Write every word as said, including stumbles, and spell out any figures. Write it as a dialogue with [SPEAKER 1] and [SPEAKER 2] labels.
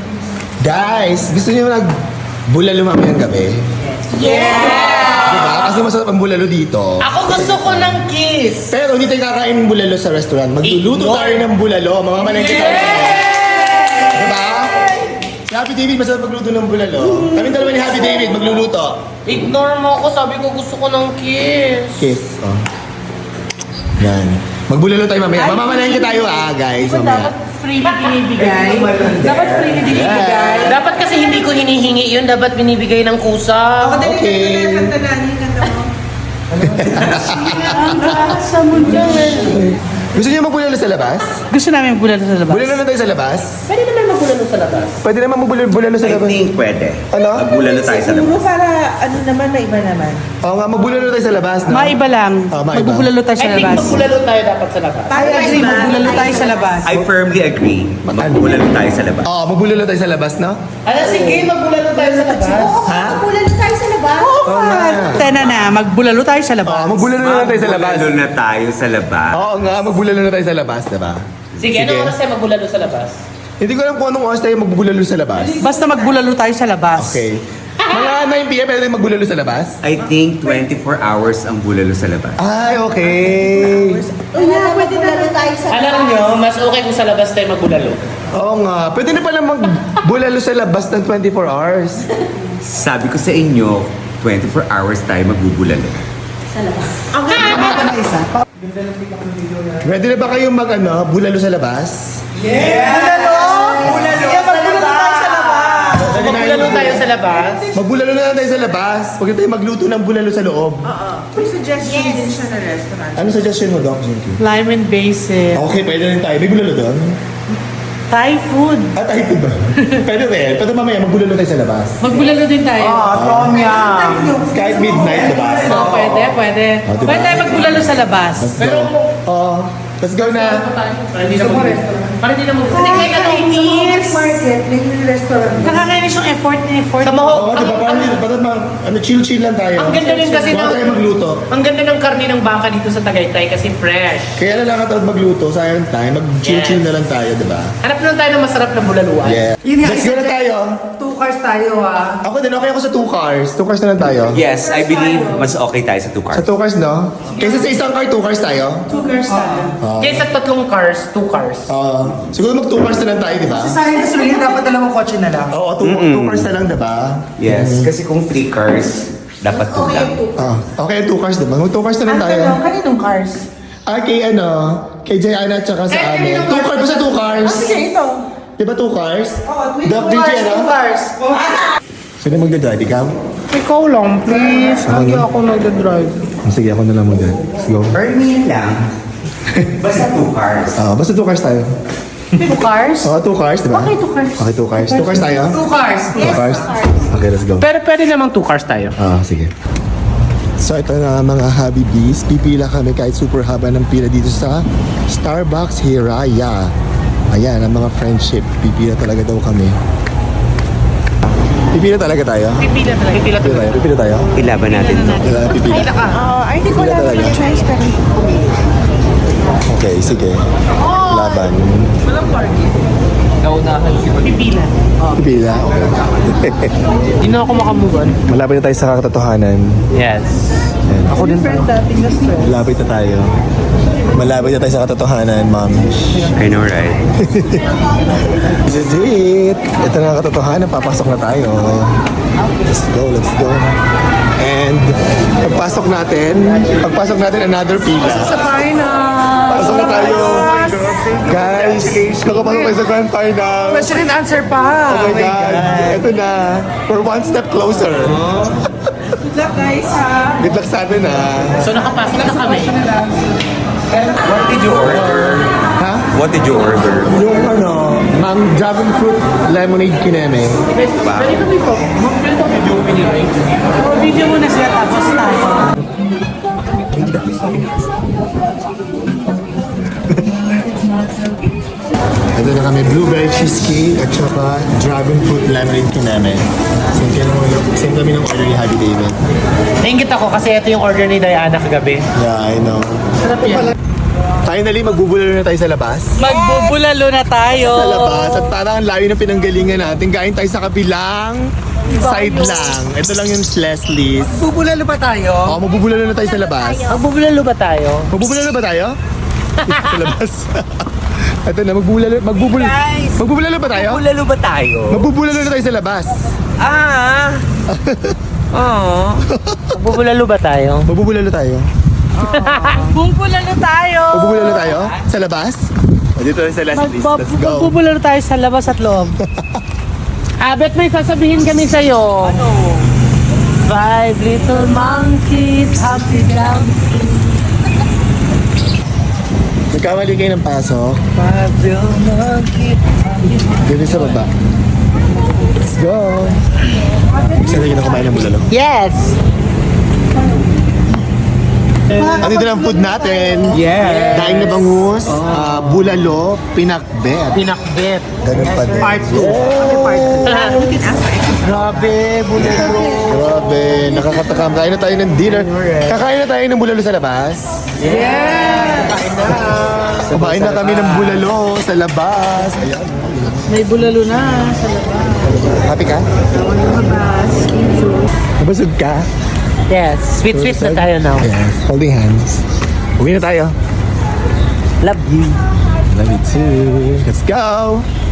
[SPEAKER 1] Guys, gusto niyo nag-bulalo mamayang gabi?
[SPEAKER 2] Yeah!
[SPEAKER 1] Diba? Kasi masarap ang bulalo dito.
[SPEAKER 2] Ako gusto ko ng kiss.
[SPEAKER 1] Pero hindi tayo kakain ng bulalo sa restaurant. Magluluto
[SPEAKER 2] Ignore.
[SPEAKER 1] tayo ng bulalo. Mamamalengke tayo. Diba? Si Happy David masarap magluto ng bulalo. Kami dalawa ni Happy David magluluto.
[SPEAKER 2] Ignore mo ako, sabi ko gusto ko ng kiss.
[SPEAKER 1] Kiss. Oh. Yan. Magbulalo tayo mamaya. Mamamalengke tayo ah, guys. Mamaya.
[SPEAKER 3] Freely binibigay. Dapat freely binibigay.
[SPEAKER 2] Dapat kasi hindi ko hinihingi yun, dapat binibigay ng kusa.
[SPEAKER 1] Okay.
[SPEAKER 3] Ang gasa mo dyan.
[SPEAKER 1] Gusto niyo magbulalo sa labas?
[SPEAKER 3] Gusto namin bulalo sa labas.
[SPEAKER 1] Bulalo na tayo sa labas?
[SPEAKER 2] Pwede naman magulalo sa labas.
[SPEAKER 1] Pwede naman magbulalo sa
[SPEAKER 4] I
[SPEAKER 1] labas.
[SPEAKER 4] think pwede.
[SPEAKER 1] Ano?
[SPEAKER 4] Magbulalo tayo sa labas.
[SPEAKER 5] Siguro para ano naman, may iba naman.
[SPEAKER 1] Oo nga, magbulalo tayo sa labas, no?
[SPEAKER 3] Maiba lang.
[SPEAKER 1] Ah, maiba.
[SPEAKER 3] Magbubulalo tayo
[SPEAKER 2] I
[SPEAKER 3] sa
[SPEAKER 2] think
[SPEAKER 3] labas.
[SPEAKER 2] magulalo tayo dapat sa labas.
[SPEAKER 3] I agree, magbulalo tayo sa labas.
[SPEAKER 4] I firmly agree. Magbulalo tayo sa labas.
[SPEAKER 1] Oo, magbulalo tayo sa labas, no?
[SPEAKER 2] Ano, sige, magulalo tayo sa labas.
[SPEAKER 1] Ha?
[SPEAKER 5] Bulalo tayo sa labas.
[SPEAKER 1] Oo nga.
[SPEAKER 3] Tena na, magbulalo tayo sa labas.
[SPEAKER 1] Oo, magbulalo na lang tayo sa labas.
[SPEAKER 4] Magbulalo na tayo sa labas.
[SPEAKER 1] Oo nga, magbulalo na tayo sa labas, diba?
[SPEAKER 2] Sige, ano oras tayo magulalo sa labas?
[SPEAKER 1] Hindi ko alam kung anong oras tayo magbulalo sa labas.
[SPEAKER 3] Basta magbulalo tayo sa labas.
[SPEAKER 1] Okay. Mga nine p m pwede tayo magbulalo sa labas?
[SPEAKER 4] I think twenty-four hours ang bulalo sa labas.
[SPEAKER 1] Ay, okay.
[SPEAKER 5] Uy, na, pwede bulalo tayo sa labas.
[SPEAKER 2] Alam nyo, mas okay kung sa labas tayo magulalo.
[SPEAKER 1] Oo nga. Pwede na pala magbulalo sa labas ng twenty-four hours.
[SPEAKER 4] Sabi ko sa inyo, twenty-four hours tayo magbubulalo.
[SPEAKER 1] Ready na ba kayo mag ano, bulalo sa labas?
[SPEAKER 2] Magulalo tayo sa labas.
[SPEAKER 1] Magbulalo na lang tayo sa labas. Huwag na tayo magluto ng bulalo sa loob.
[SPEAKER 5] May suggestion din siya na restaurant.
[SPEAKER 1] Ano suggestion mo, Doc Jinky?
[SPEAKER 3] Lime and basil.
[SPEAKER 1] Okay, pwede rin tayo. May bulalo doon?
[SPEAKER 3] Thai food.
[SPEAKER 1] At ay, ba? Pwede rin. Pwede mamaya magbulalo tayo sa labas.
[SPEAKER 3] Magbulalo din tayo.
[SPEAKER 1] Tom yum. Kahit midnight, diba?
[SPEAKER 3] Oo, pwede, pwede.
[SPEAKER 1] Oh, diba?
[SPEAKER 3] Pwede tayo magbulalo sa labas.
[SPEAKER 1] Let's go. Oo. Let's go na.
[SPEAKER 2] Para hindi na mag Para hindi na mag
[SPEAKER 5] Nakakainis. Market, may restaurant.
[SPEAKER 3] Nakakainis yung effort na effort.
[SPEAKER 2] Sa Maho,
[SPEAKER 1] Oo, diba? Parang hindi. Parang ma- ano, chill-chill lang tayo.
[SPEAKER 2] ang ganda rin kasi
[SPEAKER 1] Huwag
[SPEAKER 2] ng...
[SPEAKER 1] tayo magluto.
[SPEAKER 2] Ang ganda ng karne ng baka dito sa Tagaytay kasi fresh.
[SPEAKER 1] Kaya na lang katawad magluto. Sayang tayo. Mag-chill-chill
[SPEAKER 2] Yes.
[SPEAKER 1] na lang tayo, diba?
[SPEAKER 2] Hanap lang tayo ng masarap na bulaluan.
[SPEAKER 1] Yeah. Let's go na tayo.
[SPEAKER 5] Two cars tayo ah.
[SPEAKER 1] Ako din, okay ako sa two cars. Two cars na lang tayo.
[SPEAKER 4] Yes, I believe mas okay tayo sa two
[SPEAKER 1] Sa
[SPEAKER 4] cars.
[SPEAKER 1] two cars, no? Kaysa sa isang car, two cars tayo.
[SPEAKER 5] Two cars tayo.
[SPEAKER 2] Kaya sa tatlong cars, two cars.
[SPEAKER 1] Uh, siguro mag two cars na lang tayo, di ba?
[SPEAKER 5] Sayang kasi rin, dapat dalawang kotse na lang.
[SPEAKER 1] Oo, two, two cars na lang, di ba?
[SPEAKER 4] Yes, kasi kung three cars, dapat two lang.
[SPEAKER 1] Ah, okay, two cars, di ba? Mag two cars na lang
[SPEAKER 5] Ang
[SPEAKER 1] tayo.
[SPEAKER 5] tanong, kaninong cars?
[SPEAKER 1] Ah, kay ano, kay Jayana at saka sa
[SPEAKER 2] Eh,
[SPEAKER 1] amin.
[SPEAKER 2] kaninong
[SPEAKER 1] Two
[SPEAKER 2] cars?
[SPEAKER 1] cars, basta two cars.
[SPEAKER 5] Ah, sige, ito.
[SPEAKER 1] Di ba two cars?
[SPEAKER 5] Oo, two
[SPEAKER 1] Doc, D J,
[SPEAKER 5] cars,
[SPEAKER 1] ano?
[SPEAKER 5] two cars.
[SPEAKER 1] Sino magdadrive? Ikaw?
[SPEAKER 2] Ikaw lang, please.
[SPEAKER 1] Lagi
[SPEAKER 2] ako nagdadrive.
[SPEAKER 1] Sige, ako na lang mag-drive. Let's go.
[SPEAKER 4] Earn me yan lang. Basta two cars.
[SPEAKER 1] Ah, basta two cars tayo.
[SPEAKER 3] Two cars?
[SPEAKER 1] Oo, two cars, di ba?
[SPEAKER 3] Okay, two cars.
[SPEAKER 1] Okay, two cars. Two cars tayo?
[SPEAKER 2] Two cars.
[SPEAKER 1] Two cars? Okay, let's go.
[SPEAKER 2] Pero pwede namang two cars tayo.
[SPEAKER 1] Ah, sige. So ito na mga Habibis, pipila kami kahit super haba ng pila dito sa Starbucks Hiraya. Ayan, ang mga friendship, pipila talaga daw kami. Pipila talaga tayo?
[SPEAKER 2] Pipila talaga. Pipila
[SPEAKER 1] Pipila tayo, pipila tayo?
[SPEAKER 4] Ilaban natin to.
[SPEAKER 1] Pipila, pipila.
[SPEAKER 5] Ah, I think
[SPEAKER 1] Pipila
[SPEAKER 5] wala
[SPEAKER 1] talaga.
[SPEAKER 5] naman choice pero
[SPEAKER 1] Okay, sige. Laban.
[SPEAKER 2] Naunahan si Pipila.
[SPEAKER 1] Pipila, okay.
[SPEAKER 2] Hindi na ako makamugan.
[SPEAKER 1] Malapit na tayo sa katotohanan.
[SPEAKER 2] Yes.
[SPEAKER 1] Ayan.
[SPEAKER 2] Ako din.
[SPEAKER 5] dating na stress.
[SPEAKER 1] Malapit na tayo. Malapit na tayo sa katotohanan, ma'am.
[SPEAKER 4] I know, right?
[SPEAKER 1] This is it. Ito na ang katotohanan. Papasok na tayo. Let's go, let's go. And pagpasok natin, pagpasok natin another pila.
[SPEAKER 2] Sa final.
[SPEAKER 1] Pasok na tayo. Guys, nakapasok tayo sa grand final.
[SPEAKER 2] Question and answer pa.
[SPEAKER 1] Oh my God. Ito na. We're one step closer.
[SPEAKER 5] Good luck guys ha.
[SPEAKER 1] Good luck sa atin ah.
[SPEAKER 2] So nakapasok na kami.
[SPEAKER 4] What did you order?
[SPEAKER 1] Ha?
[SPEAKER 4] What did you order?
[SPEAKER 1] Yung ano, ang dragon fruit lemonade kineme.
[SPEAKER 4] Wow.
[SPEAKER 2] Pwede kami po. Pwede kami video pinili.
[SPEAKER 3] O, video muna sila tapos tayo.
[SPEAKER 1] Ito na kami, blueberry cheesecake at saka dragon fruit lemonade kineme. Same kami ng, same kami ng order ni Happy David.
[SPEAKER 2] Nainggit ako kasi ito yung order ni Diana kagabi.
[SPEAKER 1] Yeah, I know.
[SPEAKER 2] Sarap yan.
[SPEAKER 1] Finally, magbubulalo na tayo sa labas.
[SPEAKER 3] Magbubulalo na tayo.
[SPEAKER 1] Sa labas. At parang ang layo ng pinanggalingan natin. Gain tayo sa kabilang side lang. Ito lang yung Leslie's.
[SPEAKER 3] Bubulalo ba tayo?
[SPEAKER 1] Oh, magbubulalo na tayo sa labas.
[SPEAKER 2] Magbubulalo ba tayo?
[SPEAKER 1] Magbubulalo ba tayo? sa labas. Ito na, magbubulalo, magbubulalo,
[SPEAKER 3] Guys!
[SPEAKER 1] magbubulalo ba tayo?
[SPEAKER 4] Bulalo ba tayo?
[SPEAKER 1] Magbubulalo na tayo sa labas.
[SPEAKER 4] Ah! Oo.
[SPEAKER 2] Magbubulalo ba tayo?
[SPEAKER 1] Magbubulalo tayo.
[SPEAKER 3] Bubulalo tayo.
[SPEAKER 1] Magbubulalo tayo? Sa labas? O, dito tayo sa Leslie's. Let's go.
[SPEAKER 2] Magbubulalo tayo sa labas at loob. Abet, may sasabihin kami sa'yo. Ano? Five little monkeys, happy dancing.
[SPEAKER 1] Nagkamali kayo ng pasok.
[SPEAKER 2] Five little monkeys, happy
[SPEAKER 1] Dito sa baba. Let's go. Gusto na kumain ng bulalo.
[SPEAKER 2] Yes!
[SPEAKER 1] Andito na ang food natin.
[SPEAKER 4] Yes.
[SPEAKER 1] Daing na bangus, ah, bulalo, pinakbet.
[SPEAKER 2] Pinakbet.
[SPEAKER 1] Ganun pa din.
[SPEAKER 3] Part two. Ano part two?
[SPEAKER 2] Grabe, bulalo.
[SPEAKER 1] Grabe, nakakatakam. Kain na tayo ng dinner. Kakain na tayo ng bulalo sa labas.
[SPEAKER 3] Yeah.
[SPEAKER 1] Kumain na kami ng bulalo sa labas. Ayan.
[SPEAKER 3] May bulalo na sa labas.
[SPEAKER 1] Happy ka?
[SPEAKER 3] Lumabas.
[SPEAKER 1] Nabasog ka?
[SPEAKER 2] Yes, sweet-sweet na tayo now.
[SPEAKER 1] Yes. Holding hands. Uwi na tayo.
[SPEAKER 2] Love you.
[SPEAKER 1] Love you too. Let's go.